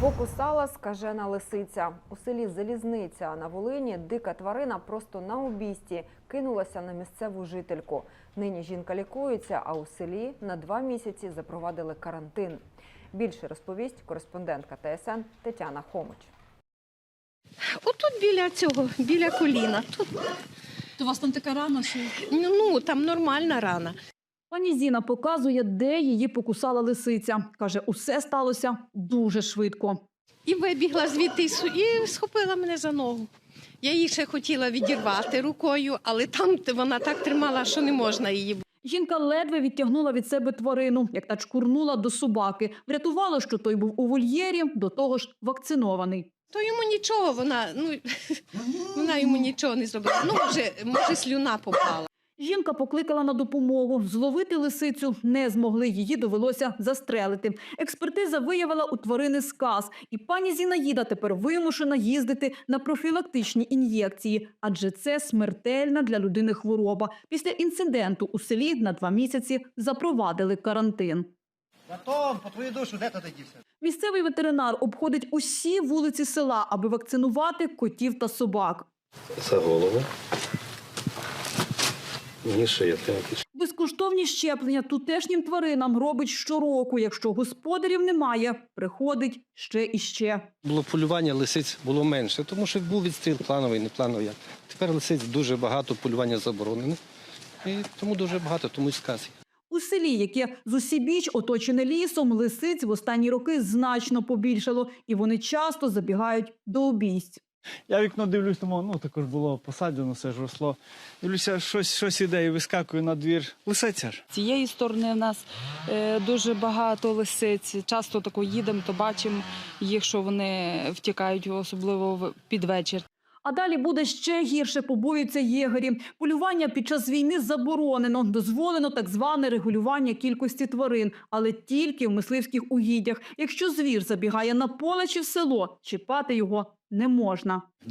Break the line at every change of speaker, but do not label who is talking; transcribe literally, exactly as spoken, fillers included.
Покусала скажена лисиця. У селі Залізниця на Волині дика тварина просто на обійсті кинулася на місцеву жительку. Нині жінка лікується, а у селі на два місяці запровадили карантин. Більше розповість кореспондентка Т С Н Тетяна Хомич.
Отут біля цього, біля коліна. Тут.
То у вас там така рана? Що...
Ну, ну, там нормальна рана.
Пані Зіна показує, де її покусала лисиця. Каже, усе сталося дуже швидко.
І вибігла звідти, і схопила мене за ногу. Я її ще хотіла відірвати рукою, але там вона так тримала, що не можна її.
Жінка ледве відтягнула від себе тварину, як та чкурнула до собаки. Врятувало, що той був у вольєрі, до того ж вакцинований.
То йому нічого, вона, ну, вона йому нічого не зробила. Ну, може, може, слюна попала.
Жінка покликала на допомогу. Зловити лисицю не змогли, її довелося застрелити. Експертиза виявила у тварини сказ. І пані Зінаїда тепер вимушена їздити на профілактичні ін'єкції. Адже це смертельна для людини хвороба. Після інциденту у селі на два місяці запровадили карантин.
Батон, по твою душу, де ти дівся?
Місцевий ветеринар обходить усі вулиці села, аби вакцинувати котів та собак.
За голову. Мені шия.
Безкоштовні щеплення тутешнім тваринам робить щороку. Якщо господарів немає, приходить ще і ще.
Було полювання лисиць було менше, тому що був відстріл плановий, не плановий. Тепер лисиць дуже багато, полювання заборонене. І тому дуже багато, тому й сказ.
У селі, яке зусібіч оточене лісом, лисиць в останні роки значно побільшало. І вони часто забігають до обійсть.
Я в вікно дивлюсь, тому, ну, також було посаджено, все ж росло. Дивлюся, щось, щось іде і вискакує на двір. Лисиця ж.
З цієї сторони в нас е, дуже багато лисиць. Часто тако їдемо, то бачимо їх, що вони втікають, особливо під вечір.
А далі буде ще гірше, побоюються єгері. Полювання під час війни заборонено. Дозволено так зване регулювання кількості тварин, але тільки в мисливських угіддях. Якщо звір забігає на поле чи в село, чіпати його не можна.